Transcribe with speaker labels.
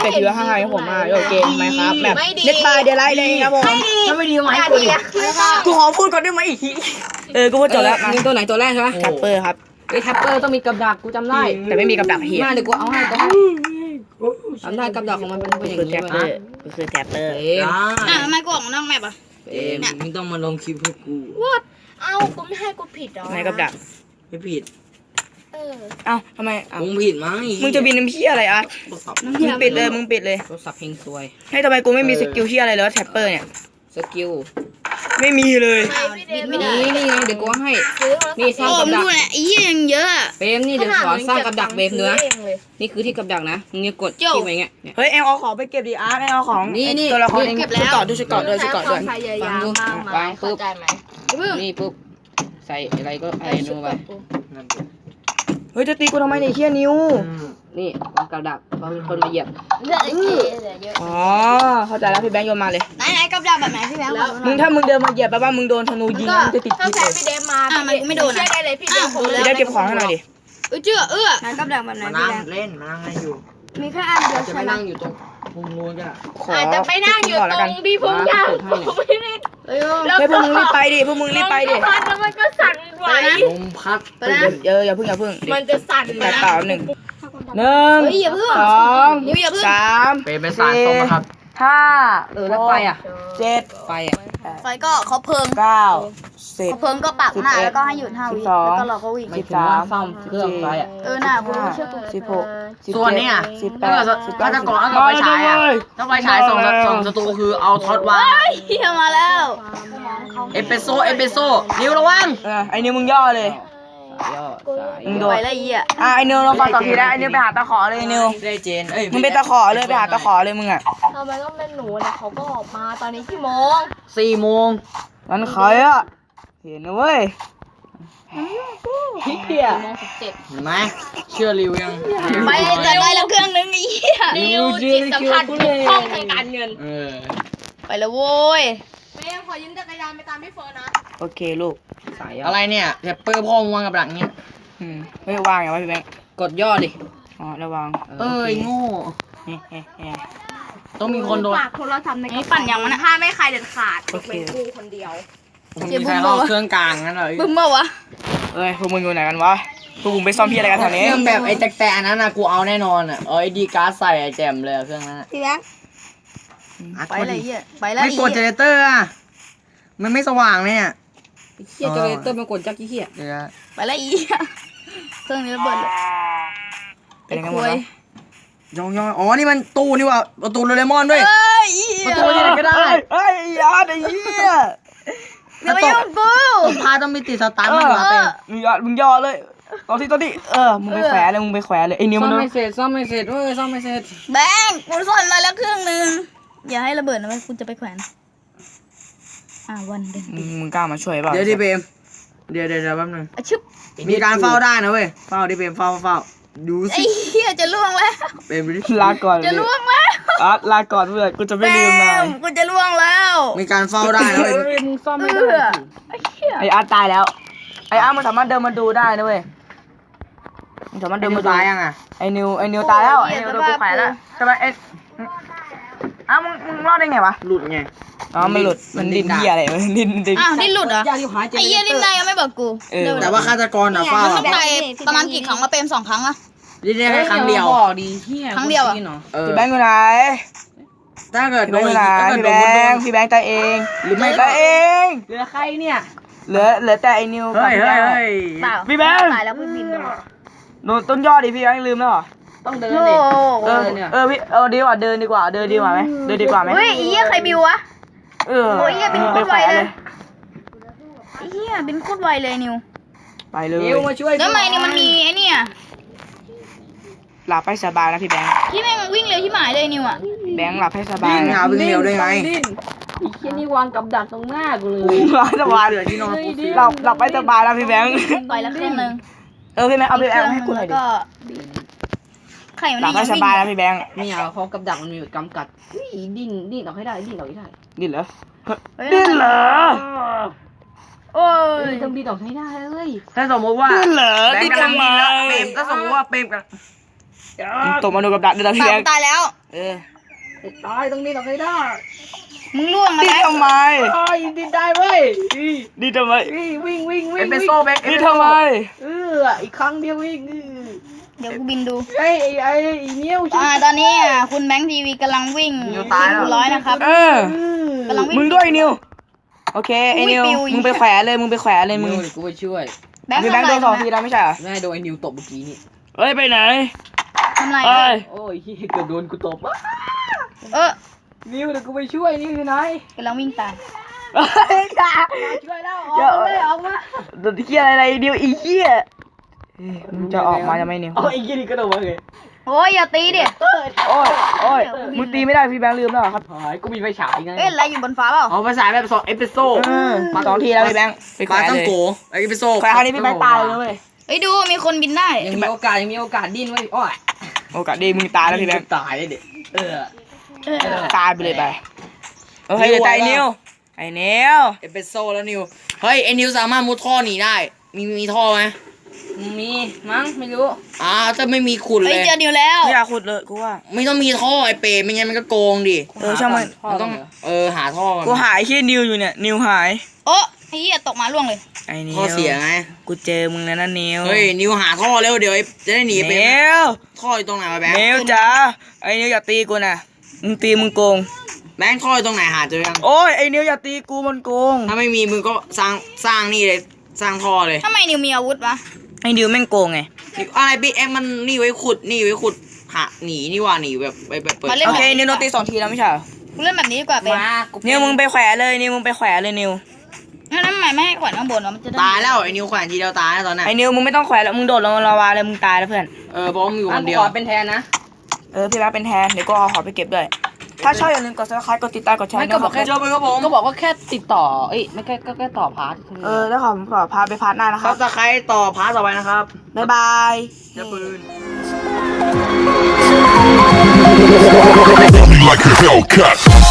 Speaker 1: ถือให้ผมมาโอเคไหมครับแบบเน็ตบายเดี๋ยวไล่เลยครับผมถ้าไม่ดีไหมกูขอพูดก่อนได้ไหมกูพูดจบแล้วยิงตัวไหนตัวแรกใช่ไหมแท็ปเปอร์ครับไอ้แท็ปเปอร์ต้องมีกับดักกูจำได้แต่ไม่มีกับดักเฮียเดี๋ยวกูเอาให้จำได้กับดักของมันเป็นอย่างนี้นะก็คือแท็ปเปอร์
Speaker 2: ทำไมกูออกนอกแมปอ่ะ
Speaker 3: มึงต้องมาลงคลิปให้กู
Speaker 2: เอากูไม่ให้กูผิดหรอ
Speaker 1: ไม่กับดัก
Speaker 3: ไม่ผิด
Speaker 1: เอ้าทำไม
Speaker 3: มึงผิดมั้ง
Speaker 1: มึงจะบินน้ำเพี้ยอะไรอ่ะมึงปิดเลย
Speaker 3: โทรศัพท์เพลงซวย
Speaker 1: ให้ทำไมกูไม่มีสกิลเพี้ยอะไรเลยแท็ปเปอร์เนี่ย
Speaker 3: สกิล
Speaker 1: ไม่มีเลย
Speaker 3: นี่ไงเดี๋ยวกูให้นี่สร้างกับดัก
Speaker 2: อียังเยอะ
Speaker 3: เบมนี่เดี๋ยวสอนสร้างกับดักเบมเนื้อนี่คือที่กับดักนะมึงเนี่ยกดที่ไปเงี้ย
Speaker 1: เฮ้ยเอ็งเอาของไปเก็บดิอาร์ตเอ็งเอาของ
Speaker 3: นี่
Speaker 1: ตัวละครเอ็งชุดเกาะด้วยฟัง
Speaker 3: ดูวางปุ๊บนี่ปุ๊บใส่อะไรก็อะไรนูไป
Speaker 1: เฮ้ยจะตีกูทำไมเนี่ยเฮียนิ้ว
Speaker 3: นี่วางกับดักพอมีคนมาเหยียบ
Speaker 1: อ๋อเข้าใจแล้วพี่แบงค์โยนมาเลย
Speaker 2: ไหนกับดักแบบไหนพี่แบงค์
Speaker 1: มึงถ้ามึงเดินมาเหยียบแปลว่ามึงโดนธนูยิงมึงจะติดพิษเลย
Speaker 2: พี่เดมมาไม่โดนนะได้เลยพี่เดมผม
Speaker 1: เลยได้เก็บของให้หน่อยดิ
Speaker 2: ไหนกับดักแบบไหนพี่แบงค์
Speaker 3: เล่นมานั่งให้อยู่
Speaker 2: มีแค่อันเดียว
Speaker 3: จะไปนั่งอยู่ตรงมุมนู้นจ้ะ
Speaker 2: อาจจะไปนั่งอยู่ตรงที่พุ่งยาวไม่ได้
Speaker 1: แล้วพวกมึงรีบไปดิ
Speaker 2: มันก็สั่นไหว
Speaker 3: ลมพัด
Speaker 1: อย่าพึ่ง
Speaker 2: มันจะสั่น
Speaker 1: แต่ต่อ1 2 3 4 5 6 7
Speaker 2: ไฟก็เขาเพิ่ง
Speaker 1: 9
Speaker 2: 10ก็ปักหน้าแล้วก็ให้หยุด5 วิแล้วก็รอเขาวิ่ง
Speaker 3: 13ซ่อมเครื่องไฟ
Speaker 2: น่ะกูเชื่อกู
Speaker 1: 16
Speaker 3: ส่วนนี้18ถ้าจะก่อนต้องไปฉายต้องไปฉายส่งศัตรูคือเอาท็อตวาง
Speaker 2: เฮียมาแล้ว
Speaker 3: เอสเปโซ่นิ้วระวัง
Speaker 1: ไอ้นิ้วมึงย่อเลย
Speaker 2: มึงโดนอะไรอ่ะ
Speaker 1: ไอ้นิวเราฟังต่อทีได้ไอ้นิวไปหาตะขอเลยนิว
Speaker 3: ได้เจน
Speaker 1: มึงไปตะขอเลยไปหาตะขอเลยมึงอ่ะ
Speaker 2: ทำไมต้องเป็นหนูเนี่ยเขาก็ออกมาตอนนี้กี่โมง
Speaker 3: 4 โมง
Speaker 1: นั่นใครอ่ะเห็นนะเว้ย
Speaker 3: เห็นไหมเชื่อริวยัง
Speaker 2: ไปจะได้แล้วเครื่องนึงอีริวจิตสัมผัสทุกห้องทางการเงินไปแล้วโว้ยแม่ขอยืมจักรยานไปตามพี่เฟิร์นนะ
Speaker 1: โอเคลูก
Speaker 3: อะไรเนี่ยแท็ปเปอร์พ่อวางกับดักเนี้ย
Speaker 1: ไม่วางอย่างไรพี่แบงค์
Speaker 3: กดย่อดิ
Speaker 1: อ๋อระวัง
Speaker 3: โง่ต้องมีคนโดน
Speaker 2: ฝากโทรศัพท์ในปั่นอย่างมันห้ามไม่ใครเด็ดขาดเป็นกูคนเดียว
Speaker 3: มีใครเอาเครื่องกลางนั่นเลย
Speaker 2: บึ้มเมื่อวะ
Speaker 1: พวกมึงอยู่ไหนกันวะพวกมึงไปซ่อมพี่อะไรกันแถวนี้
Speaker 3: เครื่องแบบไอ้แต่อันนั้นนะกูเอาแน่นอนอ่ะไอ้ดีการ์ดใส่ไอ้แจมเลยเครื่องนั้น
Speaker 2: พี่แบงค์ไปเลยไปแล้ว
Speaker 3: ไม่กดเจเนเรเตอร์อ่ะมันไม่สว่างเนี่ยเฮียเจเนเรเตอร์มันกดจักกี้เฮีย
Speaker 2: ไปแล้วเครื่องนี้ระเบิดเลย
Speaker 1: เป็นยังไงวะ
Speaker 3: ย่องอ๋อนี่มันตู้นี่ว่ะประตูโดเรมอนด้วยประตูที่ไหนก็ได้
Speaker 1: ยาไอ้เหี้ย
Speaker 2: ไม่ยุ่งกู
Speaker 3: พาต้องมีติดสตาร์ทมาเต็ม
Speaker 1: มึงย่อเลยตอนที่มึงไปแขวนเลยไอ้นิ้วมัน
Speaker 3: ซ่อมไม่เสร็จซ่อมไม่เสร็จ
Speaker 2: แบงค์กูซ่อนมาแล้วเครื่องนึงอย่าให้ระเบิดนะกูจะไปแขวนวันเดิน
Speaker 1: มึงกล้ามาช่วยเปล่า
Speaker 3: เดี๋ยวดิเบมเดี๋ยวแป๊บนึงมีการเฝ้าได้นะเว้ยเฝ้าดิเบมเฝ้าดูสิ
Speaker 2: ไอ้เหี้ยจะล่วงแล้ว
Speaker 3: เบม
Speaker 1: ลาก่อน
Speaker 2: จะล่วงแล้ว
Speaker 1: ลาก่อนเพื่อนกูจะไม่ลืมนาย
Speaker 2: กูจะล่วงแล้ว
Speaker 3: มีการเฝ้าได้นะเว้ย
Speaker 1: มึงซ่อมไม่ได้ไอ้อาร์ตตายแล้วไอ้อาร์ตมันสามารถเดินมาดูได้นะเว้ยมันสามารถเดินมา
Speaker 3: ตายยังอ่ะ
Speaker 1: ไอ้นิวตายแล้วไอ้นิวโดนกูแขวนแล้วทำไมมึงรอดได้ไงวะ
Speaker 3: หลุดไง
Speaker 1: มันหลุดมันดิ้นเหี้ยอะไรมันดิ้น
Speaker 2: ดิ้นหลุดเหรอไอ้เหี้ยดิ้นได้ยังไม่บอกกู
Speaker 3: แต่ว่าฆาตกรเฝ้า
Speaker 2: มันตายประมาณกี่ครั้งมาเป็น2 ครั้งอะ
Speaker 3: ดิ้นได้แค่ครั้งเดียว
Speaker 1: บอกดีเหี้ย
Speaker 2: ครั้งเดียวอะ
Speaker 1: พี่แบงค์อยู่ไหน
Speaker 3: ถ้าเกิดโดน
Speaker 1: พี่แบงค์ตายเองหรือไม่ตายเอง
Speaker 3: เหลือใครเนี่ย
Speaker 1: เหลือแต่ไอ้นิวกับพี่แบงค์
Speaker 2: ตายแล้วพี่บิน
Speaker 1: โดนต้นยอดดิพี่แบงค์ลืมแล้วเหรอ
Speaker 3: ต้องเดินดิ
Speaker 1: พี่ดีกว่าเดินดีกว่าไหมเดินดีกว่าไหม
Speaker 2: เฮ้ยไอ้เหี้ยใครบิววะโอ้ยบินโคตรไวเลยไอ้เหี้ยบินโคตรไวเลยนิว
Speaker 1: ไปเลย
Speaker 3: นิวมาช่วย
Speaker 2: แล้วทำไมนี่มันมีไอ้เนี่ย
Speaker 1: หลับให้สบายนะพี่แบงค์
Speaker 2: ที่แม่งวิ่งเร็วที่หมายเลยนิวอ่ะ
Speaker 1: แบงค์หลับให้สบาย
Speaker 3: วิ่งเร็วได้ไง
Speaker 1: อีกแค่นี้วางกับดักตรงหน้ากูเลยหลับสบายเลยที่นอนหลับให้สบายแล้วพี่แบงค์
Speaker 2: ไปแล้วเครื่องนึง
Speaker 1: พี่แบงค์เอาพี่แบงค์ให้กูหน่อยดิหลับให้สบายแล้วพี่แบงค์
Speaker 3: นี่เอาเขากับดักมันมีกำกัดดิ้นออกให้ได้ดิ้นเหรอ
Speaker 1: ดิ้นเหรอ
Speaker 2: โอ้ย
Speaker 3: ต้องดิ้นออกให้ได้เลยถ้าสมมติว่า
Speaker 1: ดิ้นเหรอ
Speaker 3: ดิ้นกำลังดิ้นแล้วเปรมถ้าสมมติว่าเปรมกับ
Speaker 1: ตกมาโดนกับดักเดินพี่
Speaker 2: ปา
Speaker 1: แบ
Speaker 2: ก
Speaker 1: งค์
Speaker 2: ตายแล้ว
Speaker 1: เออ
Speaker 3: ตายตรงนี้ตรงนี้ได้
Speaker 2: มึงล่วง
Speaker 1: ดี
Speaker 2: แล้ว
Speaker 1: ทำไม
Speaker 3: ตายดินได้เว้ย
Speaker 1: ดีทำไม
Speaker 3: วิ่งเอสเปรสโซ่แบงค์
Speaker 1: ดีทำไม
Speaker 3: อีกครั้งเดียววิ่ง
Speaker 2: เดี๋ยวกูบินดู
Speaker 3: ไอ้นิ้ว
Speaker 2: ตอนนี้คุณแบงค์ทีวีกำลังวิ่ง
Speaker 3: นิวตายแล้ว
Speaker 2: ร้อยนะครับ
Speaker 1: เออก
Speaker 2: ำลังวิ่ง
Speaker 1: มึงด้วยไอ้นิวโอเคไอ้นิว
Speaker 2: อุ้ยปิวอีก
Speaker 1: มึงไปแขวะเลยมึงไปแขวะเลยมึง
Speaker 3: กูไปช่วย
Speaker 2: แบงค์
Speaker 1: พี่แบงค์โดน2 ทีแล้วไม่ใช่เหรอ
Speaker 3: ไม่โดนไอ้นิวตบเมื่อกี้นี่
Speaker 1: เอ้ยไปไหน
Speaker 2: ทำไร
Speaker 1: เอ้ย
Speaker 3: โอ้ยเกือบโดนกูตบ
Speaker 2: เออ
Speaker 3: นิวเดี๋ยวกูไปช่วยนิวอยู่ไหน
Speaker 2: กำลังวิ่งตาม
Speaker 3: ช่วยแล้วอ
Speaker 1: อย่า
Speaker 3: อกเลยออกมา
Speaker 1: โดนเหี้ยอะไรเดียวอีเหี้ยมึงจะออกมาจะไหม่นิว
Speaker 3: เอาไอ้ยี่นี่กระโดดมาเลย
Speaker 2: โอ้ยอย่าตีดิ
Speaker 1: โอ้ยมึงตีไม่ได้พี่แบงค์ลืมแล้วเหรอครับ
Speaker 3: หายกูมีไฟฉายไง
Speaker 2: เอ้ยอะไรอยู่บนฟ้าเปล่า
Speaker 3: เอาไฟฉายแบบ2เอสเปรสโซ่
Speaker 1: มา2 ทีแล้วพี่แบงค์ไปแขวะ
Speaker 3: ต้อ
Speaker 1: เล
Speaker 3: ง
Speaker 1: ย
Speaker 3: โกไอ้เอสเปรสโซ่
Speaker 1: แขวะคราวนี้พี่แบงค์ตายเลยเว้ย
Speaker 2: เอ้ยดูมีคนบินได้
Speaker 3: ยังมีโอกาสดิ้นไว้อ้อย
Speaker 1: โอกาสดีมึงตายแล้วพี่แบงค์
Speaker 3: ตายเลยเด็กเออ
Speaker 1: ตายไปเลยไปเฮ้ยเดี๋ยวตายนิวไอ้นิว
Speaker 3: เอสเปรสโซ่แล้วนิวเฮ้ยไอ้นิวสามารถมุดท่อหนีได้มีท่อไหม
Speaker 1: มีมั้งไม่รู้
Speaker 3: ถ้าไม่มีขุด
Speaker 2: เอ้
Speaker 3: เลย ย
Speaker 2: เจอนิวแล้ว
Speaker 1: ไม่อยากขุดเลยกูว่า
Speaker 3: ไม่ต้องมีท่อไอ้เปรตไม่งั้นมันก็โกงดิ
Speaker 1: ช่างมัน
Speaker 3: มันต้องหาท่อก่อน
Speaker 1: กูหายที่นิวอยู่เนี่ยนิวหาย
Speaker 2: โอ้ไอ้เหี้ยตกมาล่วงเลย
Speaker 1: ไอ้นิว
Speaker 3: ท่อเสียไง
Speaker 1: กูเจอมึงแล้วนะนิว
Speaker 3: เฮ้ยนิวหาท่อเร็วเดี๋ยวจะได้หนีไป
Speaker 1: นิว
Speaker 3: ท่ออยู่ตรงไหนวะแบงค์
Speaker 1: นิวจ้าไอ้นิวอย่าตีกูนะมึงตีมึงโกง
Speaker 3: แบงค์ท่ออยู่ตรงไหนหาเจอยัง
Speaker 1: โอ้ยไอ้นิวอย่าตีกูมันโกง
Speaker 3: ถ้าไม่มีมึงก็สร้างนี่เลยสร้างท่อเลย
Speaker 2: ทำไมนิวมีอาวุธวะ
Speaker 1: ไอ้นิวแม่งโกงไง
Speaker 3: อะไรบิ๊กเอ็มมันนี่ไว้ขุดหาหนีนี่ว่าหนีแบบไปเปิด
Speaker 1: โอเคนิวโดนตี2 ทีแล้วไม่ใช่เหรอ
Speaker 2: กูเล่นแบบนี้ดีกว่าเป็น
Speaker 1: นิวมึงไปแขวะเลยนิวมึงไปแขวะเลยนิว
Speaker 2: งั้นทำไมไม่ให้ขวัญข้างบนวะมันจะได้
Speaker 3: ตายแล้วไอ้นิวแขวนทีเดียวตายแล้วตอนนั้น
Speaker 1: ไอ้นิวมึงไม่ต้องแขวะแล้วมึงโดดลงลาวาเลยมึงตายแล้วเพื่อน
Speaker 3: เพราะมึงอยู่คนเดียว
Speaker 1: เป็นแทนนะพี่แบงค์เป็นแทนเดี๋ยวก็เอาหอไปเก็บด้วยถ้าชอบอย่าลืมกด subscribe กดติดตามกดแชร์
Speaker 3: ไม่ก็บอกแค่
Speaker 1: ด้วย
Speaker 3: เจอไปครับผม
Speaker 4: ก็บอกว่าแค่ติดต่อ เอ้ยไม่ก็แค่ต่อพาร์ท
Speaker 1: แล้วผมขอพาไปพาร์ทหน้านะค
Speaker 3: ซั
Speaker 1: รั
Speaker 3: บบ สไครต์ต่อพาร์ทต่อไปนะครับ
Speaker 1: บ๊ายบาย
Speaker 3: จะปืน
Speaker 5: like a Hellcat.